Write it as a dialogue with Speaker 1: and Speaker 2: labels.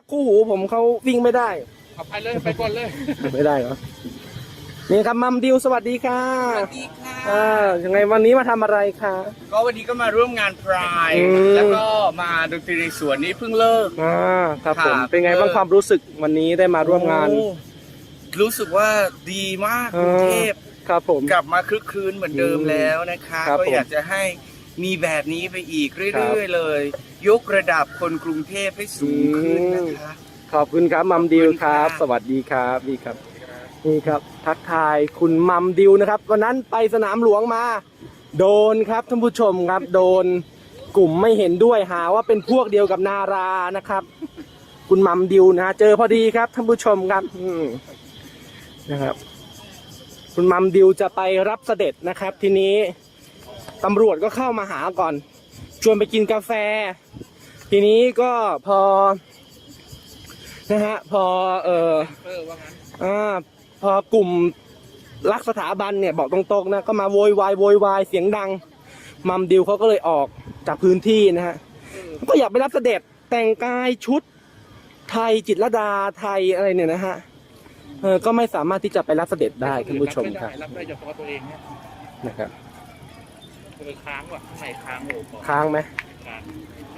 Speaker 1: คู่หูผมเขาวิ่งไม่ได้
Speaker 2: เอาไปเลยไปก่อนเลย
Speaker 1: ไม่ได้เหรอนี่ครับมัมดิวสวัสดีค่ะ
Speaker 3: สวัสดีค่ะ
Speaker 1: ยังไงวันนี้มาทำอะไรคะ
Speaker 3: ก็วันนี้ก็มาร่วมงานพราย
Speaker 1: อืม
Speaker 3: แล้วก็มาดนตรีในสวนนี้เพิ่งเลิก
Speaker 1: ครับผม
Speaker 3: ครับ
Speaker 1: เป็นไงบ้างความรู้สึกวันนี้ได้มาร่วมงาน
Speaker 3: โอ้รู้สึกว่าดีมากกรุงเทพ
Speaker 1: ครับผม
Speaker 3: กลับมาคลึกครื้นเหมือนเดิมแล้วนะคะ
Speaker 1: ครับ
Speaker 3: ก็
Speaker 1: ผม
Speaker 3: อยากจะให้มีแบบนี้ไปอีก
Speaker 1: ครั
Speaker 3: เรื่อย
Speaker 1: บ
Speaker 3: ๆเลย ยกระดับคนกรุงเทพให้สูงขึ้นนะคะ
Speaker 1: ขอบคุณครับมัมดิวครับ
Speaker 3: ขอบคุณค่ะ
Speaker 1: สวัสดีครับนี่ครับนี่ครับ ทักทายคุณมัมดิวนะครับวันนั้นไปสนามหลวงมา โดนครับท่านผู้ชมครับ โดนกลุ่มไม่เห็นด้วยหาว่าเป็นพวกเดียวกับนารานะครับ คุณมัมดิวนะเจอพอดีครับท่านผู้ชมครับนะครับ คุณมัมดิวจะไปรับเสด็จนะครับ ทีนี้ตำรวจก็เข้ามาหาก่อน ชวนไปกินกาแฟ ทีนี้ก็พอนะฮะพอ
Speaker 2: ว่างั้น
Speaker 1: พอกลุ่มรักสถาบันเนี่ยบอกตรงๆนะก็มาโวยวายเสียงดังมัมดิวเขาก็เลยออกจากพื้นที่นะฮะก็อยากไปรับเสด็จแต่งกายชุดไทยจิตรลดาไทยอะไรเนี่ยนะฮะก็ไม่สามารถที่จะไปรับเสด็จได้ท่านผู้ชมครับ
Speaker 2: รับได้เฉพาะตัวเองเนี่ย
Speaker 1: นะครับ
Speaker 2: ค้างว่ะข้างในค้างโอ้โห
Speaker 1: ค้างไหม
Speaker 2: ค้าง